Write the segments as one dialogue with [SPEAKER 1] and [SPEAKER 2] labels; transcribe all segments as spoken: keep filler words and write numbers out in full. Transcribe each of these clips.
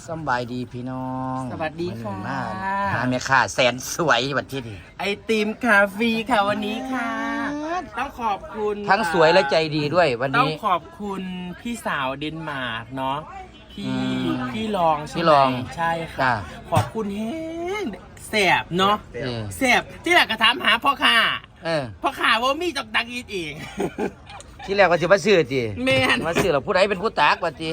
[SPEAKER 1] สบายดีพี่น้อง
[SPEAKER 2] สวัสดีค่ะ
[SPEAKER 1] หาแม่ค้าแสนสวยวันที่นี่
[SPEAKER 2] ไอติมคาเฟ่ค่ะวันนี้ค่ะต้องขอบคุณ
[SPEAKER 1] ทั้งสวยและใจดีด้วยวัน
[SPEAKER 2] ต้อง
[SPEAKER 1] นี้
[SPEAKER 2] ขอบคุณพี่สาวเดนมาร์กเนาะพี่พี่รองใช่
[SPEAKER 1] พี่
[SPEAKER 2] ไห
[SPEAKER 1] ร
[SPEAKER 2] ม
[SPEAKER 1] อง
[SPEAKER 2] ใช่ค่ะ
[SPEAKER 1] จ้ะ
[SPEAKER 2] ขอบคุณแห้งแสบเนาะ
[SPEAKER 1] เออ
[SPEAKER 2] แสบที่หลักกระทำหาพ่อข่า
[SPEAKER 1] เออ
[SPEAKER 2] พ่อข่าว่ามีจอกดังอีกเอง
[SPEAKER 1] ที่แรกว่าจะมาซื้อจี
[SPEAKER 2] แม่น
[SPEAKER 1] มาซื้อแล้วผู้ใดเป็นผู้ตากวันจี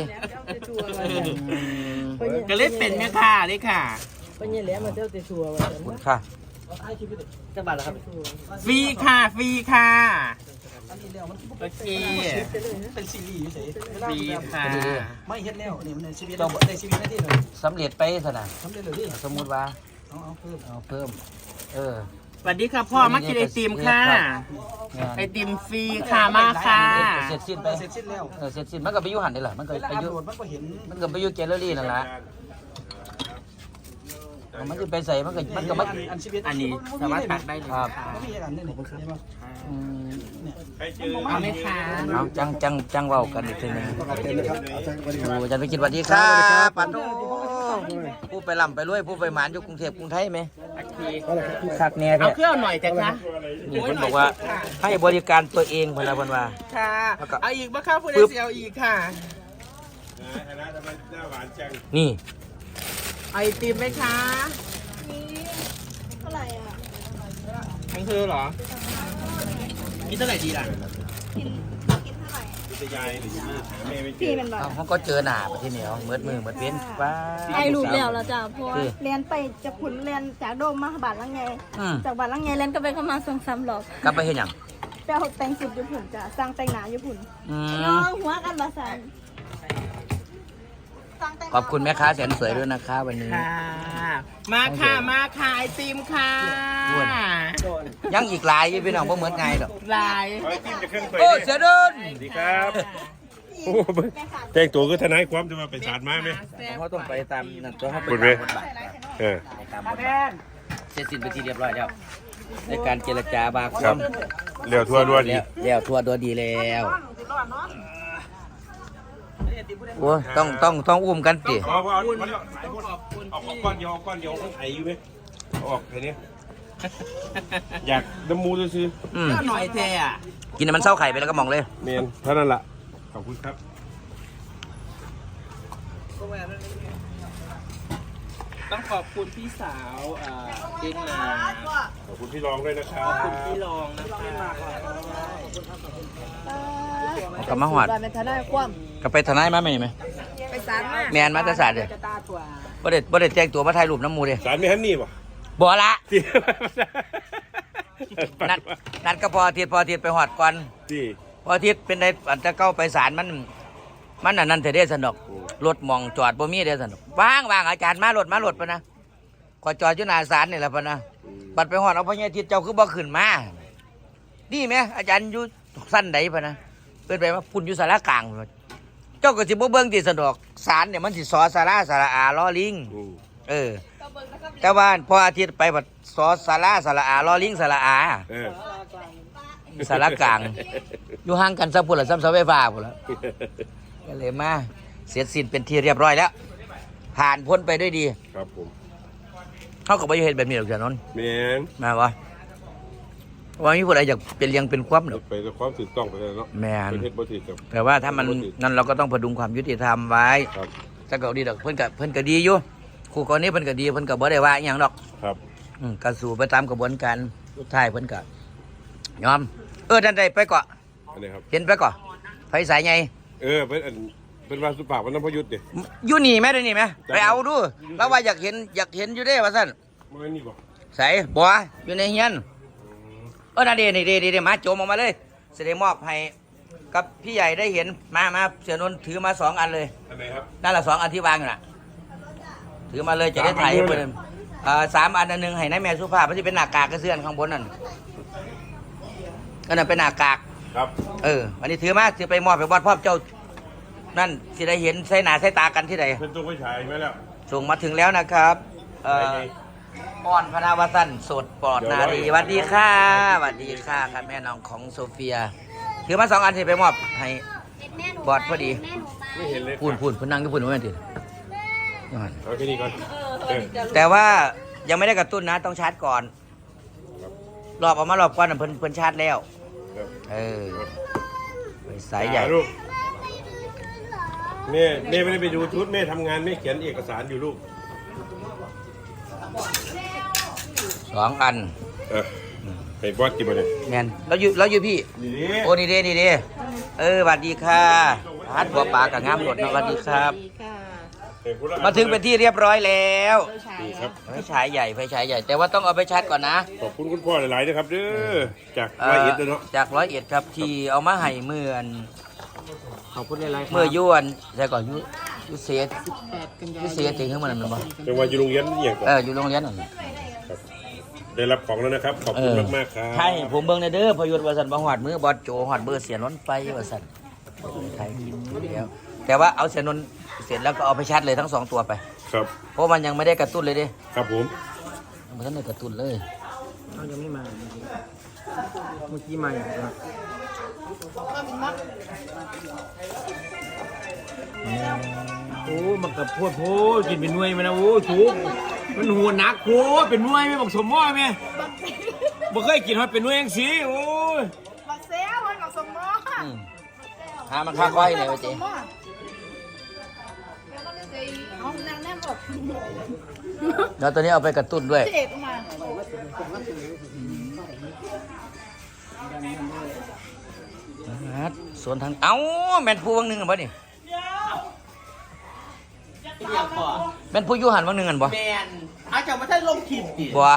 [SPEAKER 2] ก็เล่นเป็นแม่ค่ะเลยค่ะ
[SPEAKER 3] ไปเนี่ยแหละมาเจ้าเตชัวร์วัน
[SPEAKER 1] คุณค่ะ
[SPEAKER 3] จะบาทแล้วครับ
[SPEAKER 2] ฟรีค่ะฟรีค่ะโอเค
[SPEAKER 3] เป็นซีรีส์เฉย
[SPEAKER 2] ฟรีค่ะ
[SPEAKER 3] ไม่เฮ็ดแล้วนี่มันในชีวิตในชีวิตหน้าที่เลย
[SPEAKER 1] สำเร็จไปสนะ
[SPEAKER 3] ทำได้เลยพี่
[SPEAKER 1] สมมุติว่า
[SPEAKER 3] เอาเอาเพิ่ม
[SPEAKER 1] เอาเพิ่ม เออ
[SPEAKER 2] สวัสดีค่ะพ่อมากินไอติมค่ะ ไอติมฟรีค่ะมาค่ะ
[SPEAKER 1] เสร็จสิ้นไป
[SPEAKER 3] เสร็จสิ้นแล้ว
[SPEAKER 1] เออเสร็จสิ้นมันก็ไปอยุหันได้หรอมันก็
[SPEAKER 3] เวลา
[SPEAKER 1] ไป
[SPEAKER 3] อั
[SPEAKER 1] อยุ
[SPEAKER 3] พโหลดมันก็เห็น
[SPEAKER 1] มันก็ไปอยุแกลเลอรี่นั่นแหละมันจะไปใส่มันก็มันก็มัน
[SPEAKER 3] อันชีวิต
[SPEAKER 2] อันนี้สามารถตักได้เลย
[SPEAKER 1] ครับ
[SPEAKER 2] ค่ะ
[SPEAKER 3] ไม่มีอันนี้เนี่ยใช่ไหม
[SPEAKER 1] อืม
[SPEAKER 2] เอาไหมคะ
[SPEAKER 1] เอาจังจังจังเว้ากันอีกทีหนึงโอ้อาจารย์ไปคิดสวัสดีครับปัดโตผู้ไปล่ำไปรวยผู้ไปหมานอยู่กรุงเทพกรุงไทยไหม
[SPEAKER 2] โอเค
[SPEAKER 1] คักแน่
[SPEAKER 2] เอา
[SPEAKER 1] แท้
[SPEAKER 2] เครื่องหน่อยจ้ะคะ
[SPEAKER 1] นี่เพิ่นบอกว่าให้บริการตัวเองเพิ่นละเพิ่นว่า
[SPEAKER 2] ค่ะ
[SPEAKER 1] แล้วก็
[SPEAKER 2] เอาอีกบ้างค่ะคุณเอ
[SPEAKER 1] ปึ๊บ
[SPEAKER 2] เซียอีกค่ะ
[SPEAKER 1] นี่
[SPEAKER 2] ไอติมไหมคะ
[SPEAKER 4] เท่าไหร่อ่ะ
[SPEAKER 2] ของเธอเหรอกินเท่าไหร่ดีล่ะ
[SPEAKER 4] กินกินเท่าไหร่พี่เป็นแบบ
[SPEAKER 1] เอาเขาก็เจอหน้าประเทศเหนียวเมือดมือเมือดเป็นป้า
[SPEAKER 4] ไอรูปแล้วแล้วจ้ะเพราะว่า
[SPEAKER 1] คือ
[SPEAKER 4] เรียนไปจากขุนเรียนจากโดมมาบาทละไง
[SPEAKER 1] อืม
[SPEAKER 4] จากบาทละไงเรียนก็ไปเข้ามาสองสามรอบ
[SPEAKER 1] กลับไปเฮ็ดหยัง
[SPEAKER 4] ไปเอาแต่งสุดญี่ปุ่นจ้ะสร้างแต่งหนาญี่ปุ่น
[SPEAKER 1] อื
[SPEAKER 4] น้อ
[SPEAKER 1] ม
[SPEAKER 4] งหัวกันบาสันสร้างแต่งหน้า
[SPEAKER 1] ขอบคุณแม่ค้าแสนสวยด้วยนะคะวันนี้
[SPEAKER 2] ค่ะ มาค่ะมาค่ะไอติมค่ะ
[SPEAKER 1] อ้วน ยังอีกหลายอยู่พี่น้องบ่เหมือนไงดอก
[SPEAKER 2] ลาย
[SPEAKER 5] ไอติมจะเครื่องไฟ
[SPEAKER 1] โอ้เสียเดิน
[SPEAKER 5] สวัสดีครับโอ้เบิ่งแต่งตัวก็ทนายความจะมาไปศาลมาไหม
[SPEAKER 1] เขาต้องไปตามนั่นตัวเขาไป
[SPEAKER 5] พูดไหม
[SPEAKER 1] ตามบทบาท
[SPEAKER 5] เออ
[SPEAKER 1] ไปตามบทบาทเสร็จสิ้นไปทีเรียบร้อยแล้วในการเจรจาบาค
[SPEAKER 5] ครั
[SPEAKER 1] วา
[SPEAKER 5] บ
[SPEAKER 1] ม
[SPEAKER 5] เร็วทั่วด้วยดี
[SPEAKER 1] แล้วทัวร์ตัวดีแล้วโอ้ต้องต้องต้องอุ้มกันสิ
[SPEAKER 5] เอาเอาเอาเอาเอาเอาก้อนเดียวเอาก้อนเดียวเขาไถอยู่ไหมเอาออกแค่นี้อยากน้ำมูซื้อ
[SPEAKER 1] อืม
[SPEAKER 2] ก็หน่อยแท้อะ
[SPEAKER 1] กินให้มันเศร้าไข่ไปแล้วก็มองเลย
[SPEAKER 5] เมียนเท่านั้นละขอบคุณครับ
[SPEAKER 2] ต้องขอบคุณพี่สาวเอ่อเดนมาร์ก
[SPEAKER 5] ขอบคุณพี่รองด้วยนะครับ
[SPEAKER 2] ขอบคุณพี่รองนะคะ
[SPEAKER 1] กลับมาหอด
[SPEAKER 4] การเป็นทนายความ
[SPEAKER 1] กลับไปทนายมาไหมไหม
[SPEAKER 4] ไปศาลมา
[SPEAKER 1] แมนมาแตศาสตร์เลยบ่ได้บ่ได้แจ้งตัวมาถ่ายรูปน้ำหมูเลย
[SPEAKER 5] สารไม่ฮันนี่ป่ะ
[SPEAKER 1] บ่ละ
[SPEAKER 5] ที่
[SPEAKER 1] นัดนัดก็พออาทิตย์พออาทิตย์ไปหอดก่อน
[SPEAKER 5] ที่
[SPEAKER 1] พออาทิตย์เป็นไดอันจะเก้าไปศาลมัน มันอันนั้นเถอะเด้สนุกรถหมองจอดบ่มีเด้สนุกว่างว่างอาจารย์มารถมารถปะนะขอจอดอยู่หน้าศาลนี่แหละปะนะบัดไปหอดเอาพญาทิตย์เจ้าคือบ่ขึ้นมาดีไหมอาจารย์อยู่สั้นใดปะนะเปิดไปว่าพุ่นอยู่สารกลางพุ่นเจ้าก็สิบ่เบิ่งที่สนุกศาลเนี่ยมันสิสอสาราสาระอาล้อลิง
[SPEAKER 5] อืม
[SPEAKER 1] เออ แต่ว่าพออาทิตย์ไปบัดสอสาราสาระอาล้อลิงสาระอา
[SPEAKER 5] เออ
[SPEAKER 1] สารกลาง อยู่ห่างกันสักพุ่นละซ้ำเสาไฟฟ้าพุ่นละก็เลยมาเสร็จสิ้นเป็นที่เรียบร้อยแล้ว ผ่านพ้นไปด้วยดี
[SPEAKER 5] ครับผม
[SPEAKER 1] เขาก็ไม่เห็นแบบนี้หรอกจ้ะนนท์
[SPEAKER 5] เมียน
[SPEAKER 1] มาวะว่ามีผู้ใดอยากเป็นเลี้ยงเป็นความหรอก
[SPEAKER 5] ไปด้วยความถูกต้องไปเลยเนาะ
[SPEAKER 1] แมน
[SPEAKER 5] เป็นเทศบริกับ
[SPEAKER 1] แต่ว่าถ้ามันนั่นเราก็ต้องพดุงความยุติธรรมไว้
[SPEAKER 5] ครับ
[SPEAKER 1] ถ้าเกิดดีดอกเพิ่นก็เพิ่นก็ดีอยู่ครูกรณีเพิ่นก็ดีเพิ่นก็บ่ได้ว่าอหย่างดอก
[SPEAKER 5] ครับ
[SPEAKER 1] อืมก็สู่ไปตามกระบวนการสุดท้ายเพิ่นก็ยอม เออนั่นได้ไปเกาะ
[SPEAKER 5] อันนี้ครับ
[SPEAKER 1] เห็นไปเกาะไฟสายใหญ่
[SPEAKER 5] เออเป็นอันเป็นวาสุปากวันน้ำพยุทธ์ดิ
[SPEAKER 1] อยู่นี่แม่เด้นี่แม่ไปเอาดูแล้วว่าอยากเห็นอยากเห็นอยู่เด้ว่าซั่น
[SPEAKER 5] มันนี่บอก
[SPEAKER 1] ใส่บัวอยู่ในเฮียนเออนั่นเด้นี่เด้เด้มาโจมออกมาเลยสิได้มอบให้กับพี่ใหญ่ได้เห็นมามาเสียนนท์ถือมาสองอันเลย
[SPEAKER 5] อันไหนครับ
[SPEAKER 1] นั่นละสองอันที่วางอยู่น่ะถือมาเลยจะได้ถ่ายให้เพิ่นเอ่อสามอันอันหนึงให้นายแม่สุภาพมันสิเป็นหน้ากากกระเสื้อนข้างบนนั่นอันนั้นเป็นหน้ากาก
[SPEAKER 5] ครับ
[SPEAKER 1] เออวันนี้ถือมาสิไปมอบให้วัดพ่อเจ้านั่นสิได้เห็นใส่หน้าใส่ตากันที่ใด
[SPEAKER 5] เป็นตัวไฟฉายไหมแล้ว
[SPEAKER 1] ส่งมาถึงแล้วนะครับเอ่ออ่อนพนาวสันสดปลอดนารีสวัสดีค่ะสวัสดีค่ะครับแม่น้องของโซเฟียถือมาสองอันที่ไปมอบให้บอดพอดี
[SPEAKER 5] ไม่เห็นเลย
[SPEAKER 1] พูนพูนพูนนั่งที่พูนว่าไงทีเอ
[SPEAKER 5] เอาแค่นี้ก่อนเออ
[SPEAKER 1] แต่ว่ายังไม่ได้กระตุ้นนะต้องชาร์จก่อนรอบออกมารอบก่อนน่ะเพิ่นเพิ่นชาร์จแล้ว
[SPEAKER 5] ครับ
[SPEAKER 1] เออไปสายใหญ่
[SPEAKER 5] อ่ลูกแม่แม่ไม่ได้ไปดูชุดแม่ทำงานแม่เขียนเอกสารอยู่ลูก
[SPEAKER 1] สองอัน
[SPEAKER 5] เออไปบอสกินมาเลย
[SPEAKER 1] แมนแล้วอยู่แล้วอยู่พี่
[SPEAKER 5] นี่ดิ
[SPEAKER 1] โอ้นี่เด้นี่เด้เออสวัสดีค่ะฮัดหัวปลากับงามหลดนะสวัสดีครับ
[SPEAKER 5] เห็นคุณละ
[SPEAKER 1] มาถึงเป็นที่เรียบร้อยแล้ว
[SPEAKER 5] นี่ครับ
[SPEAKER 1] ไฟฉายใหญ่ไฟฉายใหญ่ แต่ว่าต้องเอาไปชาร์จก่อนนะ
[SPEAKER 5] ขอบคุณคุณพ่อหลายๆนะครับเด้อจาก
[SPEAKER 1] เอ่
[SPEAKER 5] ร้อย
[SPEAKER 1] อ
[SPEAKER 5] เอ็ดเลยเนาะ
[SPEAKER 1] จากร้อยเอ็ดครับที่เอามาให้เมื่อน
[SPEAKER 2] ขอบคุณหลายๆครับ
[SPEAKER 1] เมื่อยวนแต่ก่อนยุยุเสียยุเสียจริงขึ้นมาหนึ่งบ่
[SPEAKER 5] จังหวัดอยู่โรงเรียนนี่อย่างก่อน
[SPEAKER 1] เอออยู่โรงเรียนนั่น
[SPEAKER 5] ครับได้รับของแล้วนะครับ ขอบ
[SPEAKER 1] เอ
[SPEAKER 5] คุณ
[SPEAKER 1] อ
[SPEAKER 5] มากๆครับ
[SPEAKER 1] ให้ผมเบิ่งในเด้อพยุทธ์วาสันบหอดมือบอดโจหอดเบอร์เสียนล้นไปวาสันไทยกินแล้วแต่ว่าเอาเสียนนเสร็จแล้วก็เอาไปชาร์จเลยทั้งสองตัวไป
[SPEAKER 5] ครับ
[SPEAKER 1] เพราะมันยังไม่ได้กระตุ้นเลยเด้
[SPEAKER 5] ครับผม
[SPEAKER 1] มันต้องได้กระตุ้นเลย
[SPEAKER 2] เขายังไม่มาเมื่อกี้มาอย่างไรโอ้มันกับพวดโพดกินเป็นหน่วยมันนะโอ้ถูกมันหัวหนักโพดเป็นหน่วยไม่บอกสมมอไหมบ่เคยกินฮอดเป็นหน่วยยังสีโอ้ย
[SPEAKER 6] บักเซลมันกับสมมอ
[SPEAKER 1] อืมหามันค่าก้อยเลยวะเจ๊
[SPEAKER 6] เอานางแน่บอก
[SPEAKER 1] แล้วตัวนี้เอาไปกระตุ้นด้วย
[SPEAKER 6] เจ็บมา
[SPEAKER 1] ฮัดสวนทางเอ้าแมนผู้วังหนึ่งกันบ่นี่แมนผู้อยูหันวังหนึ่งกันบ่
[SPEAKER 2] แมนอาจจะไม่ใช่ลงขีดดิ
[SPEAKER 1] บ่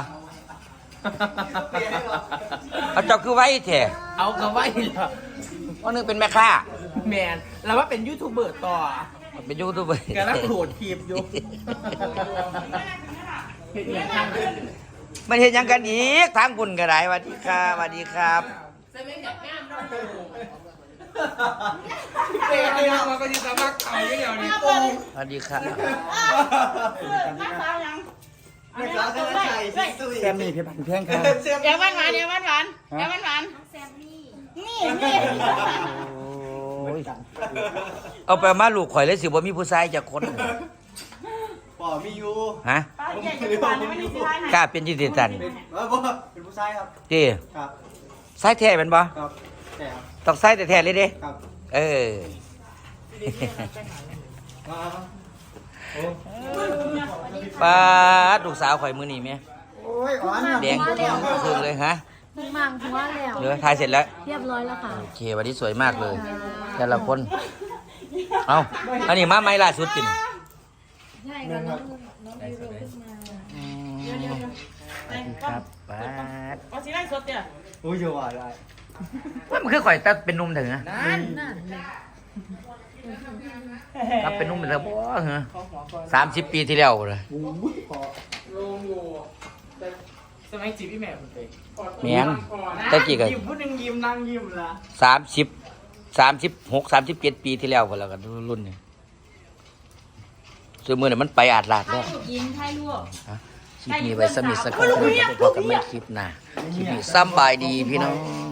[SPEAKER 1] เอาเจ้าคือไว้แท้
[SPEAKER 2] เอากระไว้เหรอ
[SPEAKER 1] วังหนึ่งเป็นแม่ค้า
[SPEAKER 2] แมนแล้วว่าเป็นยูทูบเบอร์ต่อ
[SPEAKER 1] เป็นยูทูบเบอร์
[SPEAKER 2] กำลังโหลดคลิปอยู่เห็นอย่างข้าง
[SPEAKER 1] มันเห็นหยังกันอีกทางบุญก็ได้สวัสดีครับสวัสดีครับ
[SPEAKER 2] เป๊ะเลยนะมันก็จะสมัครเอาอย่างเดียวนี่โอ้
[SPEAKER 1] สวัสดีครับ
[SPEAKER 6] มาฟ้ายัง
[SPEAKER 3] ไม่กล้าจะใส่ซิซุย
[SPEAKER 2] แซมนี่เพชรพันเพียงครับ
[SPEAKER 3] เสียบ
[SPEAKER 6] เดี๋ยวหวานหวานเดี๋ยวหวานหวานเดี๋ยวหวานหวานนี่นี่
[SPEAKER 1] โอ้ยเอาไปมาลูกข่อยเลยสิบ่มีผู้ชายจะคน
[SPEAKER 3] ป่อมีอยู่
[SPEAKER 1] ฮะ
[SPEAKER 6] ป้าใหญ่จะหวานไม่ได้สิหวาน
[SPEAKER 1] กล้าเป็นยี่สิบตัน
[SPEAKER 3] เป็นเออบ่เป็นผู้ชายครับ
[SPEAKER 1] จี
[SPEAKER 3] ครับ
[SPEAKER 1] ไส้แท้เป็นบ่
[SPEAKER 3] ครับแต่ครับ
[SPEAKER 1] ต้องไส้แต่แท้เลยเด้
[SPEAKER 3] ครับ
[SPEAKER 1] เออ
[SPEAKER 3] มา
[SPEAKER 1] ป้าดลูกสาวข่อยมือนี่แม่
[SPEAKER 3] โอ้ยอ่อน
[SPEAKER 1] แดงคืนเลยฮะ
[SPEAKER 6] มังหัวแล้ว
[SPEAKER 1] เหลือถ่ายเสร็จแล้ว
[SPEAKER 6] เรียบร้อยแล้วค่ะ
[SPEAKER 1] โอเควันนี้สวยมากเลย แต่ละคน เอาอันนี้มาไหมล่าสุดกิน
[SPEAKER 6] ใช่ค่ะน้องน้องดิวขึ้นมาเดี๋ยวเดี๋ยวเดี๋ยว
[SPEAKER 1] ครับป้าด
[SPEAKER 6] เอาสิไล่สดเนี่ย
[SPEAKER 3] โอ้ยเยอะว่ะได้
[SPEAKER 1] ว่ามันคือข่อยตัดเป็นหนุ่มถึงนะ
[SPEAKER 6] นั่นนั่น
[SPEAKER 1] ครับเป็นหนุ่มเป็นแล้วบ่เหรอสามสิบปีที่แล้วเลย
[SPEAKER 2] ลงอยู่แต่สมัยจีบพี่แม่ผมไป
[SPEAKER 1] แม่งตะกี้ก็
[SPEAKER 2] ยิ้มผู้หนึ่งยิ้มนั่งยิ้มละ
[SPEAKER 1] สามสิบสามสิบหกสามสิบเจ็ดปีที่แล้วพอแล้วกันรุ่นนี้ซื้อมือเนี่ยมันไปอาดลาดแล้ว
[SPEAKER 6] กินไทยลวก
[SPEAKER 1] คลิปนี้ไว้สมิทสักคนจะพบกันไม่คลิปหน้าคลิปนี้ซ้ำบายดีพี่น้อง